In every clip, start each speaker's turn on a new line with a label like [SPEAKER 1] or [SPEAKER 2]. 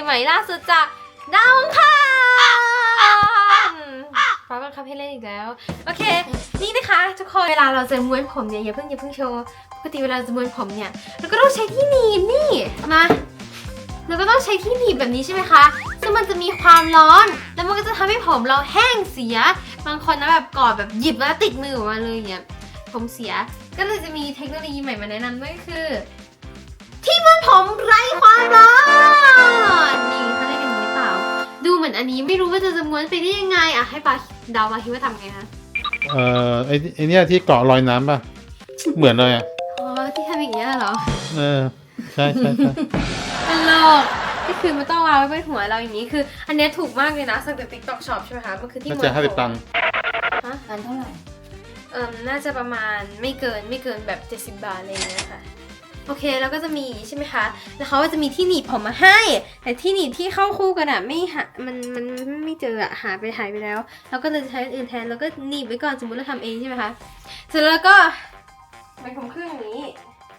[SPEAKER 1] หม่ล่าสุดจากดาวอังคารฟ้าบังคับให้เล่นอีกแล้วโอเคนี่นะคะทุกคนเวลาเราจะม้วนผมเนี่ยอย่าเพิ่งโชว์ปกติเวลาจะม้วนผมเนี่ยเราก็ต้องใช้ที่หนีบนี่มาเราก็ต้องใช้ที่หนีบแบบนี้ใช่ไหมคะซึ่งมันจะมีความร้อนแล้วมันก็จะทำให้ผมเราแห้งเสียบางคนนะแบบกอดแบบหยิบแล้วติดมือออกมาเลยเนี่ยผมเสียก็เลยจะมีเทคโนโลยีใหม่มาแนะนำด้วยคือที่ม้วนผมไร้ความร้อนนี่เขาเรียกกันอย่างนี้หรือเปล่าดูเหมือนอันนี้ไม่รู้ว่าจะม้วนไปได้ยังไงอ่ะให้ปาเดามาคิดว่าทำไงคะ
[SPEAKER 2] ไอ้เนี่ยที่เกาะลอยน้ำป่ะเหมือนเลยอ่ะ
[SPEAKER 1] อ๋อที่ทำอย่างเงี้ยเหรอ
[SPEAKER 2] ใช่
[SPEAKER 1] ตลกก็คือมันต้องวางไว้บนหัวเราอย่างนี้คืออันนี้ถูกมากเลยนะสั่งจาก TikTok Shop ใช่ไหมคะมันคือที่ม้วนผม
[SPEAKER 2] น่าจะ50 ตังค์
[SPEAKER 1] ฮะ
[SPEAKER 3] อันเท่าไหร่
[SPEAKER 1] น่าจะประมาณไม่เกินแบบ70 บาทอะไรอย่างเงี้ยค่ะโอเคแล้วก็จะมีใช่ไหมคะแล้วเขาก็จะมีที่หนีบผมมาให้แต่ที่หนีบที่เข้าคู่กันอะไม่หามันไม่เจออะหายไปแล้วเราก็เลยใช้อื่นแทนแล้วก็หนีบไว้ก่อนสมมติเราทำเองใช่ไหมคะเสร็จแล้วก็เป็นผมครึ่งอย่างนี้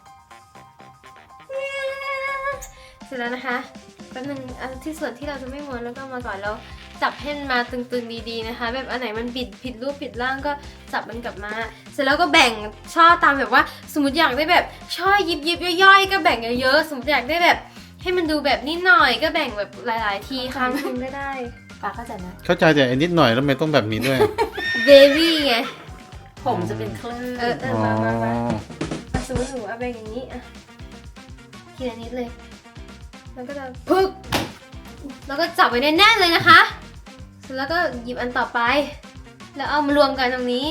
[SPEAKER 1] เสร็จแล้วนะคะแป๊บนึงที่ส่วนที่เราจะไม่ม้วนแล้วก็มาก่อนแล้วจับให้มันมาตึงๆดีๆนะคะแบบอันไหนมันผิดรูปผิดร่างก็จับมันกลับมาเสร็จแล้วก็แบ่งช่อตามแบบว่าสมมติอยากได้แบบช่อยิบย่อยๆก็แบ่งเยอะๆสมมติอยากได้แบบให้มันดูแบบนิดหน่อยก็แบ่งแบบหลายๆทีครั้งนึงก็ได้
[SPEAKER 3] ปาเข้าใจไหม
[SPEAKER 2] เข้าใจแต่นิดหน่อยแล้วไม่ต้องแบบนี้ด้วย
[SPEAKER 1] เบบี้ไง
[SPEAKER 3] ผมจะเป็นคลื่น
[SPEAKER 1] มาสมมติหนูเอาแบ่งอย่างนี้อะทีละนิดเลยแล้วก็จะพึกแล้วก็จับไว้แน่นๆเลยนะคะเสร็จแล้วก็หยิบอันต่อไปแล้วเอามารวมกันตรงนี้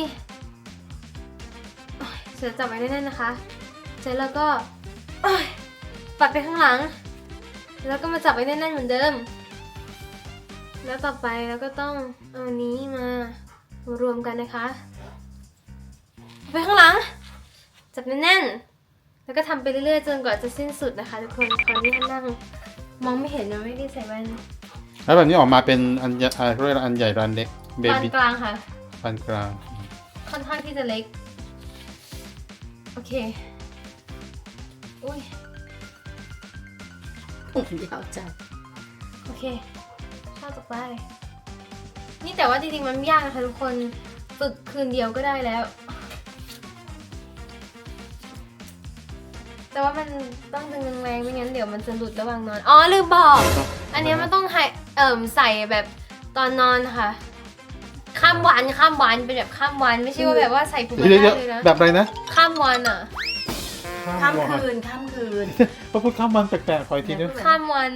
[SPEAKER 1] เสร็จจับไว้แน่นๆนะคะเสร็จแล้วก็ปัดไปข้างหลังแล้วก็มาจับไว้แน่นๆเหมือนเดิมแล้วต่อไปเราก็ต้องเอานี้มารวมกันนะคะไปข้างหลังจับแน่นๆแล้วก็ทำไปเรื่อยๆจนกว่าจะสิ้นสุดนะคะทุกคนตอนนี้นั่งมองไม่เห็นนะไม่ได้ใส่แว่น
[SPEAKER 2] แล้วแบบนี้ออกมาเป็นอันใหญ่เรียกอันใหญ่อันเล็กเบบี้
[SPEAKER 1] ปานกลางค่ะ
[SPEAKER 2] ปานกลาง
[SPEAKER 1] ค่อนข้างที่จะเล็กโอเคอุ้ย
[SPEAKER 3] ผมยาวจัง
[SPEAKER 1] โอเคข้าวต่อไปนี่แต่ว่าจริงๆมันไม่ยากนะคะทุกคนฝึกคืนเดียวก็ได้แล้วแต่ว่ามันต้องดึงแรงไม่งั้นเดี๋ยวมันจะหลุดระหว่างนอนอ๋อลืมบอกอันนี้มันต้องให้ใส่แบบตอนนอนค่ะข้ามวันเป็นแบบข้ามวันไม่ใช่ว่าแบบว่าใส่ผมไม่ได้เลยนะ
[SPEAKER 2] แบบอะไรนะ
[SPEAKER 1] ข้ามวันอ่ะ
[SPEAKER 3] ข้ามคืน
[SPEAKER 2] พอพูดข้ามวันแปลกๆคอยทีนึง
[SPEAKER 1] ข้ามวัน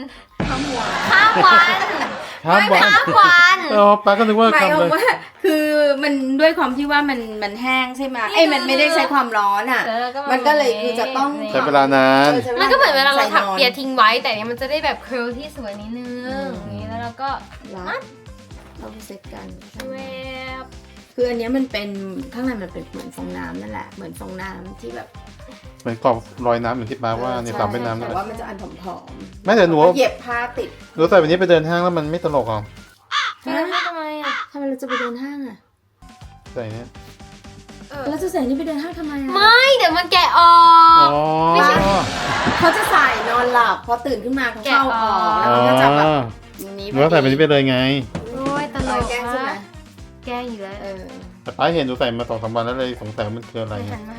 [SPEAKER 2] ป้าก็นึกว่า
[SPEAKER 3] หมายความว่าคือมันด้วยความที่ว่ามันแห้งใช่ไหมมันไม่ได้ใช้ความร้อนอ่ะมันก็เลยคือจะต้อง
[SPEAKER 2] ใช้เวลานาน
[SPEAKER 1] มันก็เหมือนเวลาเราถักเปียทิ้งไว้แต่เนี้ยมันจะได้แบบเคิร์ลที่สวยนิดนึงนี้แล้วเราก็
[SPEAKER 3] มัดเราเซตกัน
[SPEAKER 1] แวบ
[SPEAKER 3] คืออันนี้มันเป็นข้างในมันเป็นเหมือนฟองน้ำนั่นแหละเหมือนฟองน้ำที่แบบ
[SPEAKER 2] เหมือนกรอบลอยน้ำเหมือนที่ป้าว่าในฝั่งเป็นน้ำ
[SPEAKER 3] แต่ว่ามันจะอันผอม
[SPEAKER 2] ๆไม่แต่หนู
[SPEAKER 3] เหยียบผ้าติด
[SPEAKER 2] หนูใส่แบบนี้ไปเดินห้างแล้วมันไม่ตลกหรอ
[SPEAKER 1] ทำไมอ่ะ
[SPEAKER 3] ทำไมเราจะไปเดินห้างอ่ะ
[SPEAKER 2] ใส่เนี่ย
[SPEAKER 3] เราจะใส่นี่ไปเดินห้างทำไมอ่ะ
[SPEAKER 1] ไม่เดี๋ยวมันแกะออก
[SPEAKER 2] ไม่ใช่
[SPEAKER 3] เขาจะใส่นอนหลับพอตื่นขึ้นมาเขาเข้าออกแล้วมันก็จะแบบ
[SPEAKER 2] นี้หนูใส่แบบนี้ไปเลยไง
[SPEAKER 1] โอ้ยตลก
[SPEAKER 3] แก้ใช่ไหม
[SPEAKER 1] แก้อยู่แล้ว
[SPEAKER 2] แต่ป้าเห็นหนูใส่มา2-3 วันแล้วเลยสงสัยมันคืออะไร
[SPEAKER 1] หันมา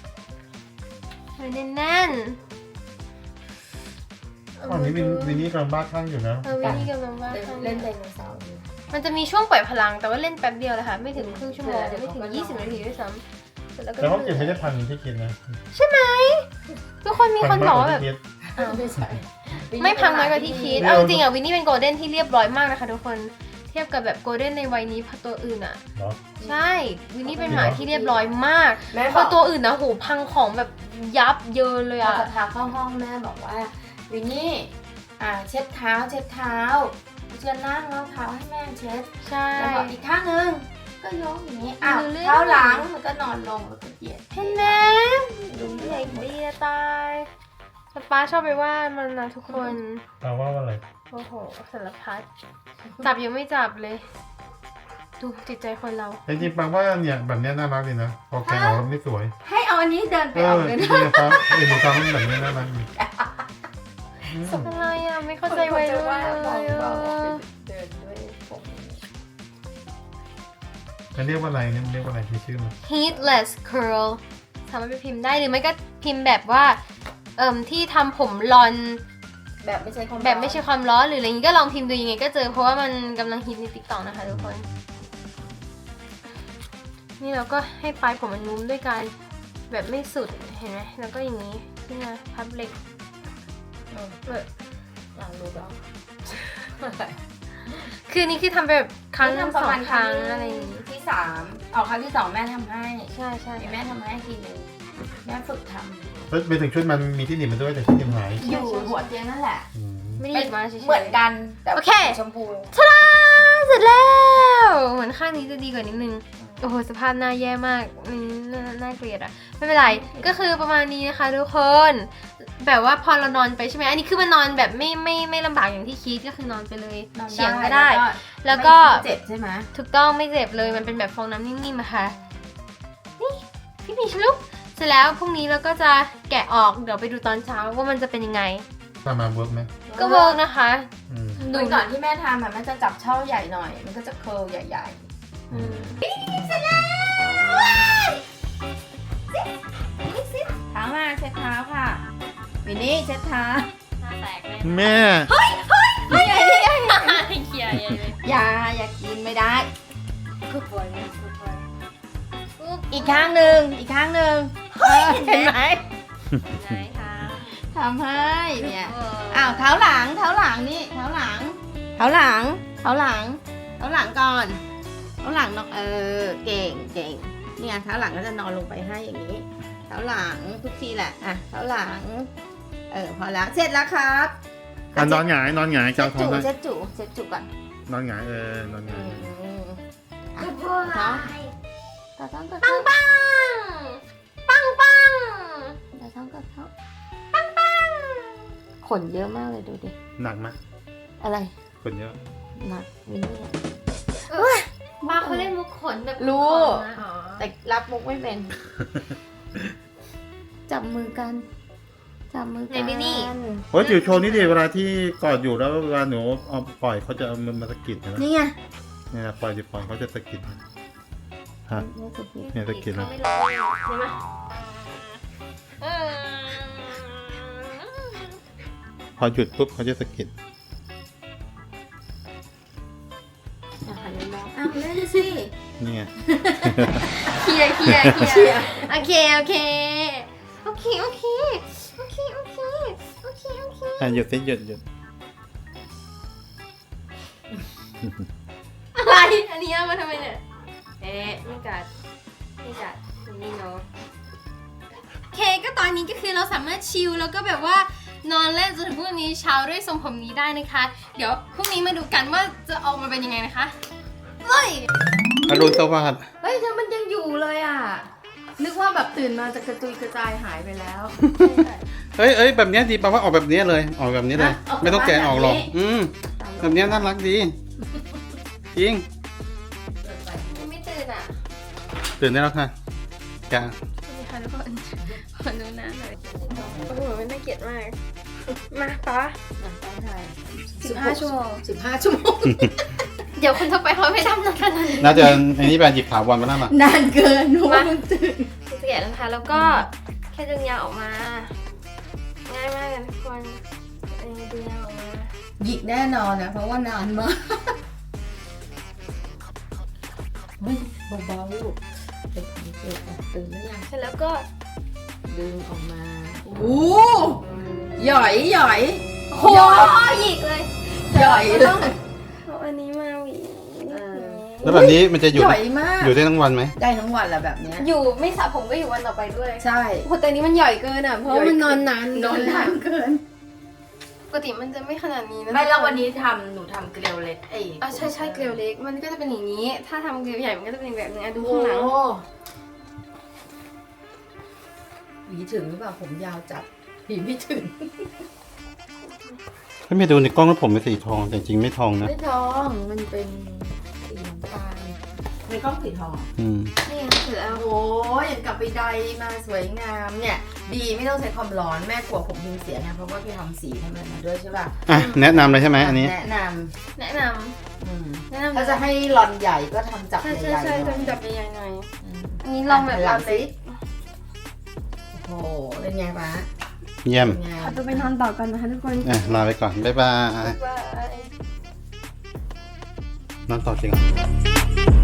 [SPEAKER 1] แน่น
[SPEAKER 2] ตอนนี้วินนี่กำลังบ้าคลั่งอยู่นะ
[SPEAKER 1] วินนี่กำลังบ้า
[SPEAKER 3] เล่นไดโนเสาร์
[SPEAKER 1] มันจะมีช่วงปล่อยพลังแต่ว่าเล่นแป๊บเดียวเลยค่ะไม่ถึงครึ่งชั่วโมงไม่ถึง20 นาทีด้วยซ้ำ
[SPEAKER 2] แล้วเขาเก็บไม่ได้พันที่คิดนะ
[SPEAKER 1] ใช่ไหมทุกคนมีคนบอกว่าแบบไม่พังน้อยกว่าที่คิดเอาจริงๆวินนี่เป็นโกลเด้นที่เรียบร้อยมากนะคะทุกคนเทียบกับแบบโกลเด้นในวัยนี้พอตัวอื่นอ่ะใช่วินนี่เป็นหมาที่เรียบร้อยมากพอตัวอื่นนะโหพังของแบบยับเยินเลยอ่ะ
[SPEAKER 3] พาเข้าห้องแม่บอกว่าวินนี่เช็ดเท้าเชือนั่งแล้วเท้าให้แม่เช็ด
[SPEAKER 1] ใช่
[SPEAKER 3] แล้วบอกอีกข้างนึงก็ยกอย่างนี้เท้าหลังมันก็นอนลงแล้วก็เหยียด
[SPEAKER 1] เห็นไหมดูเด็กดีตายป้าชอบไปว่ามันนะทุกคน
[SPEAKER 2] ป้าว่าอะไร
[SPEAKER 1] โอ้โหสารพัดจับยังไม่จับเลยดูจิตใจคนเรา
[SPEAKER 2] จริงๆป้าว่าเนี่ยแบบนี้น่ารักดีนะพอแกออกไม่สวย
[SPEAKER 3] ให้เอาอันนี้เดินไปออกเลยนะ
[SPEAKER 2] จริงๆป้าหนูทำแบบนี้น่ารักดี
[SPEAKER 1] ส่งอะไรอ่ะไม่เข้าใจวัยรุ่นเลยอ่ะ
[SPEAKER 3] เดินด้วยผม
[SPEAKER 2] มันเรียกว่าอะไรเนี่ยมันเรียกว่าอะไรที่ชื่อมัน
[SPEAKER 1] heatless curl สามารถไปพิมพ์ได้หรือไม่ก็พิมพ์แบบว่าที่ทำผมรอน
[SPEAKER 3] แบบไม่ใช่ความ
[SPEAKER 1] แบบไม่ใช่ความร้อนหรืออะไรอย่างงี้ก็ลองพิมพ์ดูยังไงก็เจอเพราะว่ามันกำลังฮิตใน TikTok นะคะทุกคน นี่เราก็ให้ปลายผมมันนุ้มด้วยการแบบไม่สุดเห็นไหมแล้วก็อย่างนี้นี่นะพับเล็ก
[SPEAKER 3] ลองดูบ้าง
[SPEAKER 1] คือนี่คือทำแบบครั้งสองครั้งอะไรอย่างงี้
[SPEAKER 3] ที่3เอาครั้งที่2แม่ทำให้
[SPEAKER 1] ใช่ใช่
[SPEAKER 3] แม่ทำให้ทีนึงแม่ฝึกท
[SPEAKER 2] ไปถึงชุดมันมีที่หนีบมันด้วยแต่ที่หนีบหาย
[SPEAKER 3] ำอยู่หัวเตียงนั่นแหละ
[SPEAKER 2] อืม
[SPEAKER 1] ไม่ได้หยิบมาเฉยๆ
[SPEAKER 3] เหมือนกันแต่
[SPEAKER 1] โอเค
[SPEAKER 3] ชมพู
[SPEAKER 1] ทาดาเสร็จแล้วเหมือนข้างนี้จะดีกว่านิดนึงโอ้โหสภาพหน้าแย่มากน่าเกลียดอะไม่เป็นไรก็คือประมาณนี้นะคะทุกคนแบบว่าพอเรานอนไปใช่ไหมอันนี้คือมันนอนแบบไม่ลำบากอย่างที่คิดก็คือนอนไปเลยเฉียงก็ได้ แล้วก็
[SPEAKER 3] ไม่เจ็บใช่ไหม
[SPEAKER 1] ถูกต้องไม่เจ็บเลยมันเป็นแบบฟองน้ำนิ่มๆอะค่ะนี่พี่มีชลุกเสร็จแล้วพรุ่งนี้เราก็จะแกะออกเดี๋ยวไปดูตอนเช้าว่ามันจะเป็นยังไง
[SPEAKER 2] ทำมาเวิร์กไหม
[SPEAKER 1] ก็เวิร์กนะคะ
[SPEAKER 2] อืม
[SPEAKER 3] ดูก่อนที่แม่ทำมันจะจับช่อใหญ่หน่อย มันก็จะเคิร์ลใหญ่
[SPEAKER 1] อืม
[SPEAKER 3] ๆเสร็จแล้วเท้ามาเช็ดเท้าค่ะวินนี่เช็ดเท้า
[SPEAKER 1] หน้าแตกเลย
[SPEAKER 2] แม่
[SPEAKER 3] นี่ไงนี่ไง
[SPEAKER 1] เขียร์เลย
[SPEAKER 3] อย่ากินไม่ได้
[SPEAKER 1] กูปวดเลยกูปวด
[SPEAKER 3] อีกข้างหนึ่งเห็นไหม
[SPEAKER 1] ไหนคะ
[SPEAKER 3] ทำให้เนี่ยอ้าวเท้าหลังนี่เท้าหลังก่อนเท้าหลังเนาะเก่งเนี่ยเท้าหลังก็จะนอนลงไปให้อย่างนี้เท้าหลังทุกทีแหละอ่ะเท้าหลังพอแล้วเสร็จแล้วครับ
[SPEAKER 2] นอนหงายเจ้าท้องได้
[SPEAKER 3] เช็ดจุก่อน
[SPEAKER 2] นอนหงายนอนหงาย
[SPEAKER 1] กูปวด
[SPEAKER 3] เนาะ
[SPEAKER 1] ปังปังปังปัง
[SPEAKER 3] ขนเยอะมากเลยดูดิ
[SPEAKER 2] หนักไหม
[SPEAKER 3] อะไร
[SPEAKER 2] คนเยอะ
[SPEAKER 3] หนักวินนี่
[SPEAKER 1] บ้าเขาเล่นมุกขนแบบ
[SPEAKER 3] รู้
[SPEAKER 1] ขนนะอ๋อ
[SPEAKER 3] แต่รับมุกไม่เป็น จับมือกัน
[SPEAKER 1] ในบินี่
[SPEAKER 2] โอ้ยจิ๋วโชว์นี่ดิเวลาที่กอดอยู่แล้วเวลาหนูเอาปล่อยเขาจะเอามือมาสะกิดนะ
[SPEAKER 3] นี่ไง
[SPEAKER 2] เนี่ยปล่อยจิ๋วปล่อยเขาจะสะกิดฮะ เนี่ยตะกี้นะ
[SPEAKER 1] เขาไม่รู้ใช่ไหมเออ
[SPEAKER 2] พอหยุดปุ๊บเขาจะสะกิด
[SPEAKER 3] อ้าวเล่นสิ
[SPEAKER 2] นี่ไง
[SPEAKER 1] เคลียร์โอเค
[SPEAKER 2] หยุดสิหยุด
[SPEAKER 1] อะไรอันนี้เอามาทำไมเนี่ยไม่กัดนี่เนาะโอเคก็ตอนนี้ก็คือเราสามารถชิลแล้วก็แบบว่านอนเล่นจนถึงพรุ่งนี้เช้าด้วยทรงผมนี้ได้นะคะ เดี๋ยวพรุ่งนี้มาดูกันว่าจะออกมาเป็นยังไงนะคะเฮ้ย
[SPEAKER 2] อรุณสวัสดิ์
[SPEAKER 3] เฮ้ยมันยังอยู่เลยอ่ะ นึกว่าแบบตื่นมาจะกระจุยกระจายหายไปแล้ว
[SPEAKER 2] เอ้ยแบบเนี้ยดีแปลว่าออกแบบนี้เลยออกแบบนี้เลย
[SPEAKER 3] ออกแบบ
[SPEAKER 2] ไม่ต้องแกะออกหรอก
[SPEAKER 3] แบบนี้
[SPEAKER 2] แบบเนี้ยน่ารักดีจริง
[SPEAKER 1] ไม่ตื่นอ่ะ
[SPEAKER 2] ตื่นได้แล้วค่ะแกะ
[SPEAKER 1] นี่ค่ะทุกคนขอดูหน้าหน่อยโอ้โหมันน่าเกลียดมากมาป๊า 15 ชั่วโมง
[SPEAKER 3] 15 ชั่วโมง
[SPEAKER 1] เดี๋ยวคนทั่วไปเขาไม่ทำนานขนาดนี้
[SPEAKER 2] น่าจะอันนี้แบบหยิบถาวรมาแล้วมั้ง
[SPEAKER 3] นานเกินหนูว่ามันตื่น
[SPEAKER 1] จะแกะนะคะ แล้วก็แค่ดึงยางออกมา ง่ายมากเลยทุกคนดึงยางออกมา
[SPEAKER 3] หยิกแน่นอนนะเพราะว่านานมากเฮ้ยเบาๆลูกเด็กตื่นแล้วยัง
[SPEAKER 1] เสร็จแล้วก็
[SPEAKER 3] ดึงออกมาโอ้หย่อย
[SPEAKER 1] โหหยิกเลย
[SPEAKER 3] หย่อยเลย
[SPEAKER 1] เอาอันนี้มาหวี
[SPEAKER 2] แล้วแบบนี้มันจะอยู่
[SPEAKER 3] หย่อยมาก
[SPEAKER 2] อยู่ได้ทั้งวันไหม
[SPEAKER 3] ได้ทั้งวันแหละแบบเนี้ย
[SPEAKER 1] อยู่ไม่สระผมก็อยู่วันต่อไปด้วย
[SPEAKER 3] ใช่
[SPEAKER 1] โหแต่นี้มันใหญ่เกินอ่ะ เพราะว่ามันนอนนาน
[SPEAKER 3] นอนนานเกิน
[SPEAKER 1] ปกติมันจะไม่ขนาดนี้นะ
[SPEAKER 3] ไม่แล้ววันนี้หนูทำเกลียวเล็ก
[SPEAKER 1] ใช่เกลียวเล็ก มันก็จะเป็นอย่างนี้ ถ้าทำเกลียวใหญ่มันก็จะเป็นแบบนี้ดูข้างหลัง
[SPEAKER 3] หวีถึงหรือเปล่าผมยาวจัดหวีไม่ถึง
[SPEAKER 2] ถ้าไม่ดูในกล้องแล้วผมเป็นสีทองแต่จริงไม่ทองนะ
[SPEAKER 3] ไม่ทองมันเป็นสีน้ำตาลมีกล้องสีทอง
[SPEAKER 1] นี่เสร็จแล้ว
[SPEAKER 3] โอ้ยอย่างกับไปใดมาสวยงามเนี่ยดีไม่ต้องใช้ความร้อนแม่กลัวผมพิมพ์เสียไงเพราะว่าพี่ทำสีให้มันมาด้วยใช่ป่ะ
[SPEAKER 2] อ่ะแนะนำเลยใช่ไหมอันนี้
[SPEAKER 3] แนะน
[SPEAKER 1] แนะน
[SPEAKER 3] ำ
[SPEAKER 1] ำแนะนำ
[SPEAKER 3] ถ้าจะให้รอนใหญ่ก็ทำจับ
[SPEAKER 1] ใช่
[SPEAKER 3] ใหญ่ๆห
[SPEAKER 1] ใช่
[SPEAKER 3] น่อย
[SPEAKER 1] ทำจับใหญ่ๆหน่อย
[SPEAKER 3] อืม
[SPEAKER 1] อันนี้ลองแบบ
[SPEAKER 3] หลั
[SPEAKER 1] เรา
[SPEAKER 3] ง
[SPEAKER 1] เล็
[SPEAKER 3] สิ
[SPEAKER 1] ก
[SPEAKER 3] โอ้โหเป็นไงปะ
[SPEAKER 2] เยี่ยม
[SPEAKER 3] เป็นไง
[SPEAKER 1] ขอตัวไปนอนต่อกันนะคะทุกคน
[SPEAKER 2] อ่ะลาไปก่อน บ๊ายบาย
[SPEAKER 1] บ๊ายบาย
[SPEAKER 2] นอนต่อจริงเหรอ